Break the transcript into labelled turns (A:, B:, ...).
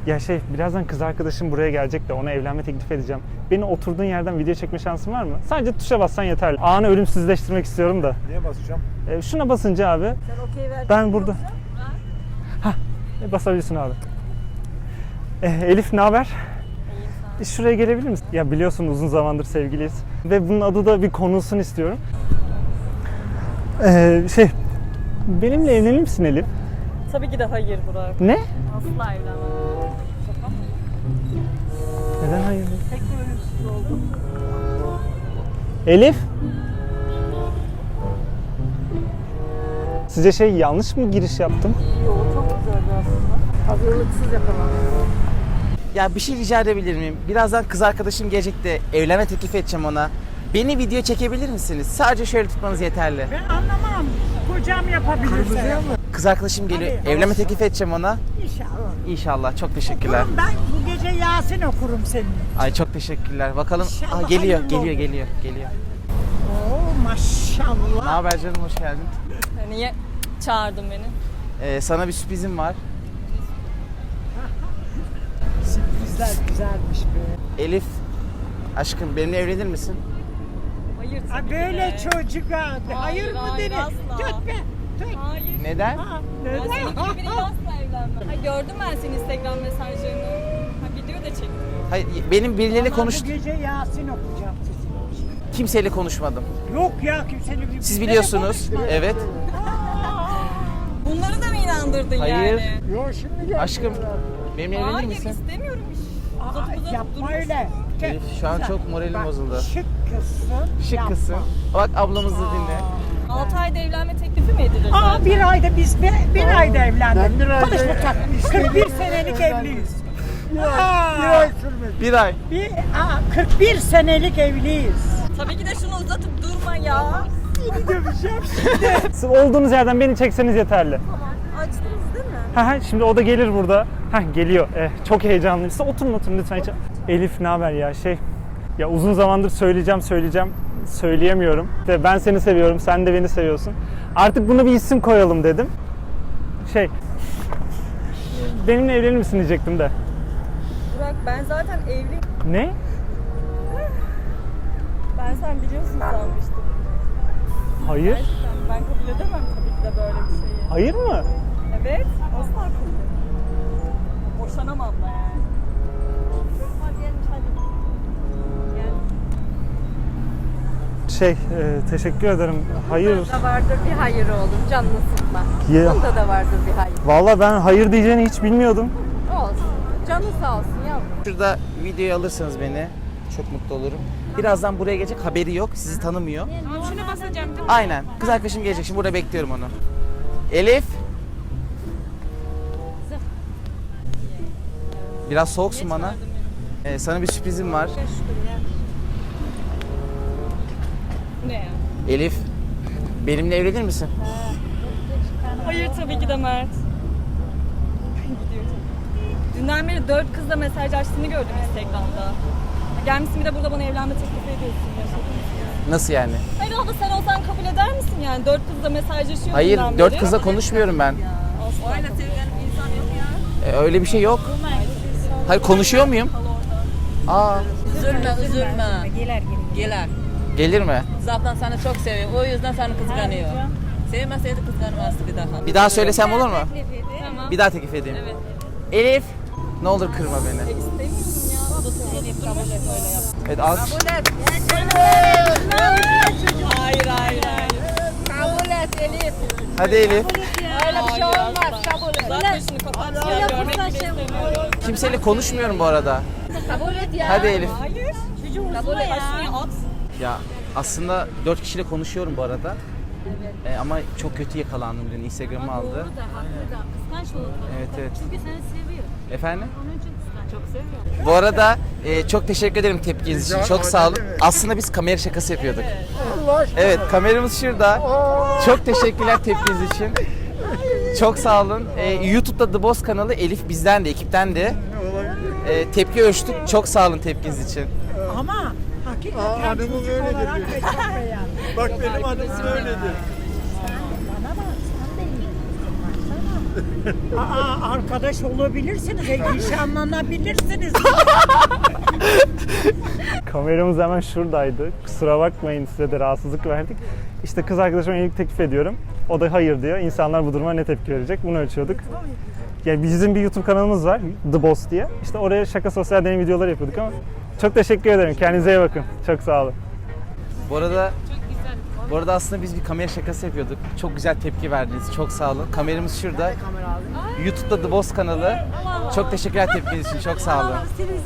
A: Ya birazdan kız arkadaşım buraya gelecek de ona evlenme teklif edeceğim. Beni oturduğun yerden video çekme şansın var mı? Sadece tuşa bassan yeterli. Anı ölümsüzleştirmek istiyorum da.
B: Neye basacağım?
A: Şuna basınca abi.
C: Sen okey verdin.
A: Ben burada. Basabilirsin abi. Elif ne haber? Şuraya gelebilir misin? Ya biliyorsun uzun zamandır sevgiliyiz. Ve bunun adı da bir konulsun istiyorum. Benimle evlenir misin Elif?
C: Tabii ki de hayır Burak.
A: Ne?
C: Asla evlenmem. Şaka mı?
A: Neden hayır?
C: Tek de ölümsüz oldum.
A: Elif? Sizce yanlış mı giriş yaptım?
C: Yok, çok güzeldi aslında. Hazırlıksız yapamam.
D: Ya bir şey rica edebilir miyim? Birazdan kız arkadaşım gelecek de evlenme teklif edeceğim ona. Beni video çekebilir misiniz? Sadece şöyle tutmanız yeterli.
E: Ben anlamam. Kocam yapabilirse.
D: Kız arkadaşım geliyor.
E: Tabii.
D: Evlenme teklif edeceğim ona.
E: İnşallah.
D: İnşallah. Çok teşekkürler.
E: Okurum ben bu gece Yasin okurum senin.
D: Ay çok teşekkürler. Bakalım.
E: İnşallah
D: Geliyor,
E: hayırlı
D: geliyor,
E: olur.
D: geliyor.
E: Oo
D: Ne
E: maşallah.
D: haber canım? Hoş geldin.
C: Niye çağırdın beni?
D: Sana bir sürprizim var.
E: Sürprizler güzelmiş be.
D: Elif, aşkım benimle evlenir misin?
C: Hayır
E: Ha,
C: tabii ki
E: böyle
C: de.
E: çocuk ha. Hayır mı
C: hayır,
E: denir?
C: asla.
E: Tütme. Tüt.
C: Hayır.
D: Neden?
E: Ha,
C: Ben
E: neden?
C: senin gibi biriyle asla evlenmem. Ha, gördüm ben senin Instagram mesajlarını. Ha, video da çektim.
D: Hayır, benim birileriyle
E: Ama
D: konuş...
E: Bu gece Yasin okuyacağım sizin için.
D: Kimseyle konuşmadım.
E: Yok ya kimsenin gibi.
D: Siz biliyorsunuz. Evet.
C: Bunları da mı inandırdın
D: Hayır.
C: yani?
E: Yok şimdi gel.
D: Aşkım, benimle evlenir
C: Hayır
D: misin?
C: istemiyorum.
E: Aa, yapma öyle.
D: Elif, şu an çok moralim
E: Bak,
D: bozuldu.
E: Şık kızsın.
D: Şık
E: yapma.
D: kızsın. Bak ablamızı dinle.
C: 6 ayda evlenme teklifi mi edilir
E: Aa
C: zaten?
E: bir ayda biz bir ayda evlendik.
B: Ben bir ayda
E: Konuşma sen. 41 senelik evliyiz.
D: Bir ay.
E: 41 senelik evliyiz.
C: Tabii ki de şunu uzatıp durma ya.
E: Seni döveceğim.
A: Siz olduğunuz yerden beni çekseniz yeterli.
C: Açtınız değil mi?
A: Şimdi o da gelir burada. Geliyor. Çok heyecanlıyım. Siz oturun lütfen. Elif ne haber ya? Ya uzun zamandır söyleyeceğim. Söyleyemiyorum. Ve ben seni seviyorum, sen de beni seviyorsun. Artık buna bir isim koyalım dedim. Benimle evlenir misin diyecektim de.
C: Burak ben zaten evliyim.
A: Ne?
C: Ben sen biliyorsun sanmıştım.
A: Hayır.
C: Gerçekten ben kabul edemem tabii ki de böyle bir şeyi.
A: Hayır mı?
C: Evet, asla kabul edemem. Boşanamam da yani.
A: Teşekkür ederim. Hayır.
F: Bunda da vardır bir hayır oğlum, canını sıkma.
A: Ya.
F: Bunda da vardır bir hayır.
A: Vallahi ben hayır diyeceğini hiç bilmiyordum.
F: Olsun. Canı sağ olsun yavrum.
D: Şurada videoyu alırsanız beni çok mutlu olurum. Birazdan buraya gelecek, haberi yok, sizi tanımıyor.
F: Şuna basacağım değil mi?
D: Aynen. Kız arkadaşım gelecek, şimdi burada bekliyorum onu. Elif. Biraz soğuksun bana. Sana bir sürprizim var.
C: Ne ya?
D: Elif, benimle evlenir misin?
C: Hayır tabii ki de Mert. Gidiyor tabii. Dünden beri 4 kızla mesajlaştığını gördüm Instagram'da. Gelmişsin bir de burada bana evlenme teklif ediyorsun.
D: Nasıl yani?
C: Hayır abla sen olsan kabul eder misin yani? 4 kızla mesajlaşıyorsun.
D: Hayır,
C: dünden
D: 4
C: beri.
D: kızla konuşmuyorum ben.
C: Asla. Öyle sevilen insan yok ya.
D: Öyle bir şey yok. Hayır, konuşuyor muyum? Aa,
G: Üzülme. Gelir.
D: gelir mi?
G: Zaten seni çok seviyor. O yüzden seni kıskanıyor. Sevmeseydi kıskanmazdı bir daha.
D: Bir daha söylesem olur mu?
C: Tamam.
D: Bir daha teklif edeyim.
C: Evet.
D: Elif, ne olur kırma beni. Evet, alkış.
C: Hayır hayır hayır.
F: Kabul et Elif.
D: Hadi Elif.
F: Öyle bir şey olmaz. Kabul et.
C: Zaten şunu kapat ya. Görmek bile istemiyorum.
D: Kimseyle konuşmuyorum bu arada.
F: Kabul et ya.
D: Hadi Elif.
C: Hayır.
F: Kabul et.
C: Şunu at.
D: Ya aslında 4 kişiyle konuşuyorum bu arada. Ama çok kötü yakalandım dün. Instagram'ı aldı.
F: Doğru da haklı da kıskanç olur.
D: Evet.
F: Çünkü seni seviyor.
D: Efendim?
F: Onun için kıskanç. Çok seviyor.
D: Bu arada çok teşekkür ederim tepkiniz için. Çok sağ olun. Aslında biz kamera şakası yapıyorduk. Evet, kameramız şurada. Çok teşekkürler tepkiniz için. Çok sağ olun. YouTube'da The Boss kanalı Elif bizden de, ekipten de. Tepki ölçtük. Çok sağ olun tepkiniz için.
E: Ama hakikaten
B: hanımım
E: çocuk
B: öyledir
E: olarak
B: diyor.
E: ve çok beğendim.
B: Bak benim hanımım öyledir.
E: Bana bak sen de iyi kızsın baksana. Arkadaş olabilirsiniz, nişanlanabilirsiniz.
A: Kameramız hemen şuradaydı. Kusura bakmayın, size de rahatsızlık verdik. İşte kız arkadaşıma evlilik teklif ediyorum. O da hayır diyor. İnsanlar bu duruma ne tepki verecek? Bunu ölçüyorduk. Yani bizim bir YouTube kanalımız var, The Boss diye. İşte oraya şaka sosyal deney videoları yapıyorduk ama çok teşekkür ederim. Kendinize iyi bakın. Çok sağ olun.
D: Bu arada aslında biz bir kamera şakası yapıyorduk. Çok güzel tepki verdiniz. Çok sağ olun. Kameramız şurada. YouTube'da The Boss kanalı. Çok teşekkürler tepkiniz için. Çok sağ olun.